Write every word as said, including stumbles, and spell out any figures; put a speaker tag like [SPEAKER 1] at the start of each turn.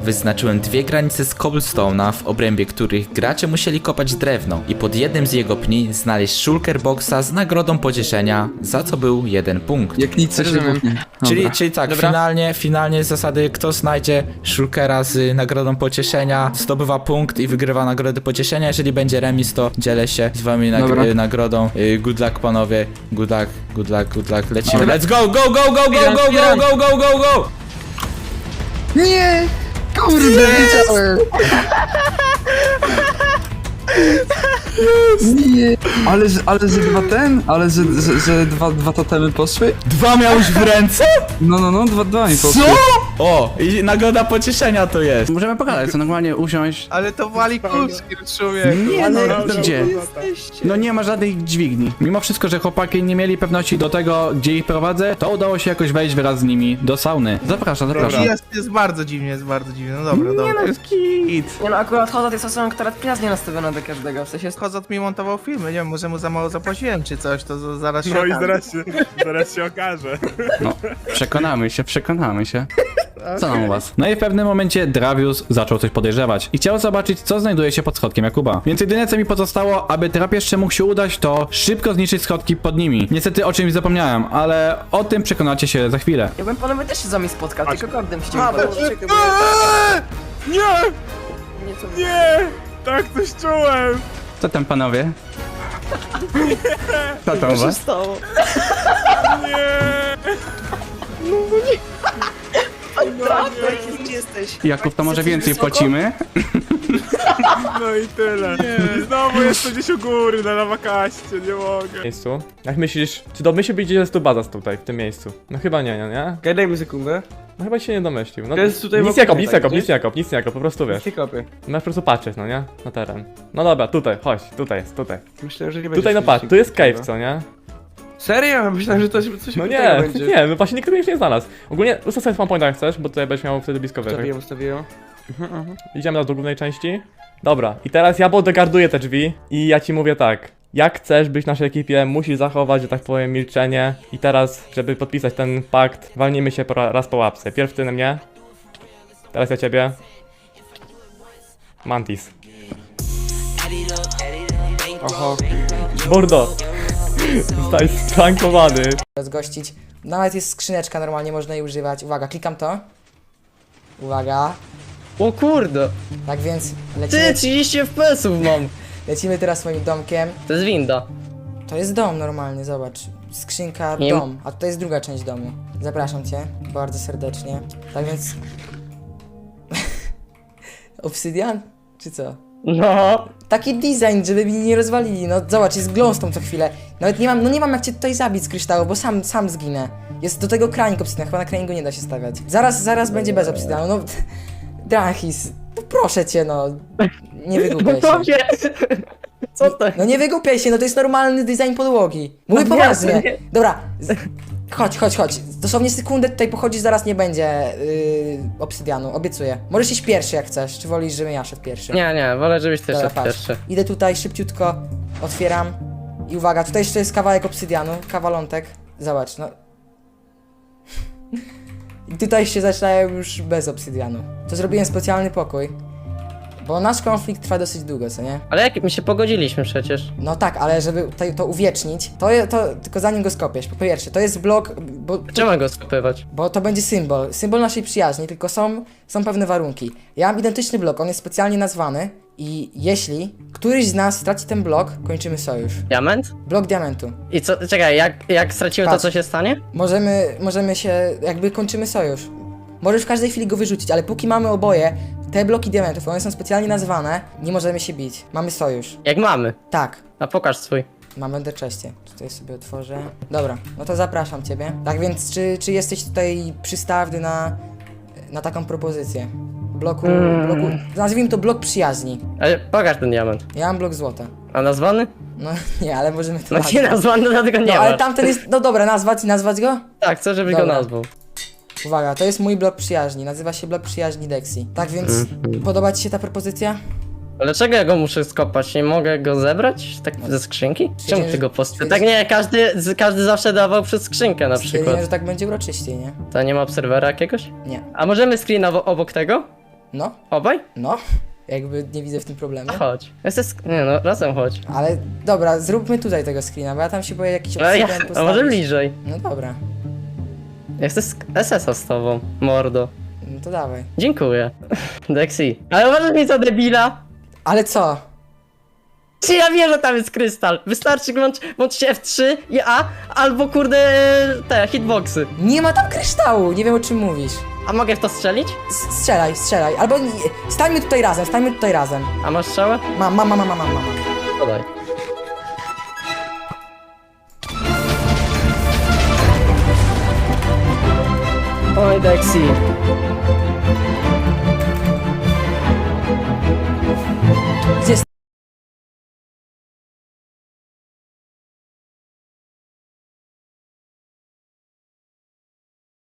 [SPEAKER 1] wyznaczyłem dwie granice z cobblestone'a, w obrębie których gracze musieli kopać drewno i pod jednym z jego pni znaleźć shulker boxa z nagrodą pocieszenia, za co był jeden punkt.
[SPEAKER 2] Jak nic coś
[SPEAKER 3] Rozumiem.
[SPEAKER 1] Czyli, czyli tak,
[SPEAKER 3] Dobra.
[SPEAKER 1] finalnie, finalnie z zasady, kto znajdzie shulkera z nagrodą pocieszenia, zdobywa punkt i wygrywa nagrodę pocieszenia. Jeżeli będzie remis, to dzielę się z wami nag
[SPEAKER 2] Dobra.
[SPEAKER 1] y, nagrodą. Y, good luck, panowie. Good luck, good luck, good luck. Lecimy.
[SPEAKER 2] Dobra.
[SPEAKER 1] Let's go, go, go, go, go, go, go, go, go, go, go!
[SPEAKER 2] Nie! Kurde, wiedziałem! Nie! Ale, że- ale że dwa ten? Ale że, że, że dwa, dwa totemy poszły?
[SPEAKER 1] Dwa miałeś w ręce?
[SPEAKER 2] No, no, no, dwa, dwa mi poszły.
[SPEAKER 1] Co? O, i nagroda pocieszenia to jest.
[SPEAKER 4] Możemy pogadać, co normalnie usiąść.
[SPEAKER 3] Ale to wali kulski, człowieku.
[SPEAKER 4] Nie, no,
[SPEAKER 3] no,
[SPEAKER 4] gdzie? No nie ma żadnych dźwigni. Mimo wszystko, że chłopaki nie mieli pewności do tego, gdzie ich prowadzę, to udało się jakoś wejść wraz z nimi do sauny. Zapraszam, zapraszam.
[SPEAKER 3] Jest, jest bardzo dziwnie, jest bardzo dziwnie. No dobra,
[SPEAKER 4] Nie
[SPEAKER 3] dobra.
[SPEAKER 4] no, jest kit.
[SPEAKER 5] Nie no, akurat Hozat jest osobą, która przyjaznie nastawiona do każdego, w sensie jest...
[SPEAKER 3] Kozot mi montował filmy, nie wiem, może mu za mało zapłaciłem czy coś, to z- zaraz się
[SPEAKER 6] No i
[SPEAKER 3] okaże.
[SPEAKER 6] zaraz się, zaraz się okaże.
[SPEAKER 4] No, przekonamy się, przekonamy się. Co tam u was? No i w pewnym momencie Dravius zaczął coś podejrzewać i chciał zobaczyć, co znajduje się pod schodkiem Jakuba. Więc jedyne, co mi pozostało, aby drapieżce mógł się udać, to szybko zniszczyć schodki pod nimi. Niestety o czymś zapomniałem, ale o tym przekonacie się za chwilę.
[SPEAKER 5] Ja bym panowie też się z wami spotkał, tylko kordem się
[SPEAKER 3] A,
[SPEAKER 5] nie
[SPEAKER 3] bo-
[SPEAKER 6] Eee! Nie!
[SPEAKER 5] Nie, co...
[SPEAKER 6] Nie! Tak coś czułem!
[SPEAKER 4] Co tam panowie? Co tam u was?
[SPEAKER 5] stało?
[SPEAKER 6] Nie!
[SPEAKER 5] Gdzie jesteś?
[SPEAKER 4] Jakub, to może więcej płacimy?
[SPEAKER 6] No i tyle. I znowu jestem gdzieś u góry na lawakaście, nie mogę.
[SPEAKER 7] miejscu. Jak myślisz, czy domyślił być, gdzie jest tu baza tutaj, w tym miejscu? No chyba nie, nie, nie?
[SPEAKER 8] Okej, daj mi sekundę.
[SPEAKER 7] No chyba się nie domyślił. No,
[SPEAKER 8] To jest tutaj
[SPEAKER 7] nic
[SPEAKER 8] wokół
[SPEAKER 7] nie kop,
[SPEAKER 8] mnie,
[SPEAKER 7] nic
[SPEAKER 8] tak,
[SPEAKER 7] nie kop,
[SPEAKER 8] gdzieś?
[SPEAKER 7] nic nie kop, nic nie kop, po prostu wiesz.
[SPEAKER 8] Nie kopię.
[SPEAKER 7] Masz po prostu patrzeć, no nie? Na teren. No dobra, tutaj, chodź, tutaj jest, tutaj.
[SPEAKER 8] Myślałem, że nie będzie.
[SPEAKER 7] Tutaj no patrz, tu jest cave, co nie?
[SPEAKER 8] Serio? Myślałem, że to coś
[SPEAKER 7] No
[SPEAKER 8] innego
[SPEAKER 7] nie,
[SPEAKER 8] będzie.
[SPEAKER 7] nie, no właśnie nikt już nie znalazł. Ogólnie ustaw sobie spawn point jak chcesz, bo tutaj będziesz miał wtedy blisko wyżej.
[SPEAKER 8] Ustawiłem, ustawiłem.
[SPEAKER 7] Idziemy teraz do głównej części. Dobra, i teraz ja bodyguarduję te drzwi i ja ci mówię tak. Jak chcesz być w naszej ekipie, musisz zachować, że tak powiem, milczenie. I teraz, żeby podpisać ten pakt, walnijmy się po ra raz po łapce. Pierw ty na mnie. Teraz ja ciebie. Mantis.
[SPEAKER 8] Oho.
[SPEAKER 7] Bordo. Zostałeś sprankowany.
[SPEAKER 9] rozgościć. Nawet jest skrzyneczka, normalnie można jej używać. Uwaga, klikam to. Uwaga.
[SPEAKER 8] O kurde!
[SPEAKER 9] Tak więc
[SPEAKER 8] Ty,
[SPEAKER 9] lecimy,
[SPEAKER 8] trzydzieści F P S ów mam!
[SPEAKER 9] lecimy teraz moim domkiem.
[SPEAKER 8] To jest winda.
[SPEAKER 9] To jest dom normalny, zobacz. Skrzynka,
[SPEAKER 8] Nie-
[SPEAKER 9] dom. A to jest druga część domu. Zapraszam cię bardzo serdecznie. Tak więc... Obsydian? Czy co?
[SPEAKER 8] No.
[SPEAKER 9] Taki design, żeby mi nie rozwalili. No zobacz, jest glowstone co chwilę. Nawet nie mam, no nie mam jak cię tutaj zabić z kryształu, bo sam, sam zginę. Jest do tego kranik obsydian, chyba na kraniku nie da się stawiać. Zaraz, zaraz będzie bez obsydianu, no... Drachis, no proszę cię, no. Nie wygłupiaj się.
[SPEAKER 8] Co to?
[SPEAKER 9] No nie wygłupiaj się, no to jest normalny design podłogi. Mówię
[SPEAKER 8] No
[SPEAKER 9] poważnie.
[SPEAKER 8] jasne.
[SPEAKER 9] Dobra, z... chodź, chodź, chodź. Dosłownie sekundę tutaj pochodzisz, zaraz nie będzie yy, obsydianu, obiecuję. Możesz iść pierwszy jak chcesz, czy wolisz, żebym ja szedł pierwszy?
[SPEAKER 8] Nie, nie, wolę, żebyś ty
[SPEAKER 9] Dobra,
[SPEAKER 8] szedł
[SPEAKER 9] patrz.
[SPEAKER 8] pierwszy.
[SPEAKER 9] Idę tutaj szybciutko, otwieram i uwaga, tutaj jeszcze jest kawałek obsydianu, kawalątek. Zobacz, no. I tutaj się zaczynają już bez obsydianu. To zrobiłem specjalny pokój, bo nasz konflikt trwa dosyć długo, co nie?
[SPEAKER 8] Ale jak my się pogodziliśmy przecież.
[SPEAKER 9] No tak, ale żeby tutaj to uwiecznić, to, je- to tylko zanim go skopiesz. Po pierwsze, to jest blok, bo,
[SPEAKER 8] Czemu go skopywać?
[SPEAKER 9] bo to będzie symbol, symbol naszej przyjaźni, tylko są, są pewne warunki. Ja mam identyczny blok, on jest specjalnie nazwany i jeśli któryś z nas straci ten blok, kończymy sojusz.
[SPEAKER 8] Diament?
[SPEAKER 9] Blok diamentu.
[SPEAKER 8] I co, czekaj, jak, jak stracimy to,
[SPEAKER 9] Patrz.
[SPEAKER 8] co się stanie?
[SPEAKER 9] Możemy, możemy się, jakby kończymy sojusz. Możesz w każdej chwili go wyrzucić, ale póki mamy oboje te bloki diamentów, one są specjalnie nazwane, nie możemy się bić. Mamy sojusz.
[SPEAKER 8] Jak mamy?
[SPEAKER 9] Tak.
[SPEAKER 8] A pokaż swój.
[SPEAKER 9] Mam enderchestie. Tutaj sobie otworzę. Dobra, no to zapraszam ciebie. Tak więc, czy, czy jesteś tutaj przystawny na, na taką propozycję? Bloku,
[SPEAKER 8] Mm.
[SPEAKER 9] bloku, nazwijmy to blok przyjaźni.
[SPEAKER 8] Ale pokaż ten diament.
[SPEAKER 9] Ja mam blok złota.
[SPEAKER 8] A nazwany?
[SPEAKER 9] No nie, ale możemy to
[SPEAKER 8] No nie nazwany, dlatego nie
[SPEAKER 9] No
[SPEAKER 8] ma.
[SPEAKER 9] ale tamten jest, no dobra, nazwać i nazwać go?
[SPEAKER 8] Tak, chcę, żebyś
[SPEAKER 9] Dobra.
[SPEAKER 8] go nazwał.
[SPEAKER 9] Uwaga, to jest mój blok przyjaźni, nazywa się blok przyjaźni Dexi. Tak więc,
[SPEAKER 8] Mhm.
[SPEAKER 9] podoba ci się ta propozycja?
[SPEAKER 8] Dlaczego ja go muszę skopać? Nie mogę go zebrać? Tak ze skrzynki? Czemu
[SPEAKER 9] Stwierdziłem,
[SPEAKER 8] ty go
[SPEAKER 9] że-
[SPEAKER 8] post... Tak nie, każdy, z- każdy zawsze dawał przez skrzynkę na przykład.
[SPEAKER 9] Stwierdziłem, że tak będzie uroczyściej, nie?
[SPEAKER 8] To nie ma obserwera jakiegoś?
[SPEAKER 9] Nie.
[SPEAKER 8] A możemy screena wo- obok tego?
[SPEAKER 9] No,
[SPEAKER 8] Obaj?
[SPEAKER 9] no. Jakby nie widzę w tym problemu.
[SPEAKER 8] Chodź. Jesteś... Nie no, razem chodź.
[SPEAKER 9] Ale dobra, zróbmy tutaj tego screena, bo ja tam się boję jakiś
[SPEAKER 8] Ale ja,
[SPEAKER 9] obsydian
[SPEAKER 8] a może
[SPEAKER 9] postawić.
[SPEAKER 8] bliżej?
[SPEAKER 9] No dobra,
[SPEAKER 8] Jesteś S S a z tobą, mordo.
[SPEAKER 9] no to dawaj.
[SPEAKER 8] Dziękuję. Dexy. Ale uważaj mi za debila!
[SPEAKER 9] Ale co?
[SPEAKER 8] Czy ja wiem, że tam jest krystal? Wystarczy włącz, włączyć F trzy i A, albo kurde te hitboxy.
[SPEAKER 9] Nie ma tam kryształu, nie wiem o czym mówisz.
[SPEAKER 8] A mogę w to strzelić?
[SPEAKER 9] S strzelaj, strzelaj, albo nie, stańmy tutaj razem, stańmy tutaj razem.
[SPEAKER 8] A masz strzałę?
[SPEAKER 9] Mam, mam, mam, mam, mam, mam.
[SPEAKER 8] Podaj. Oj, Dexy.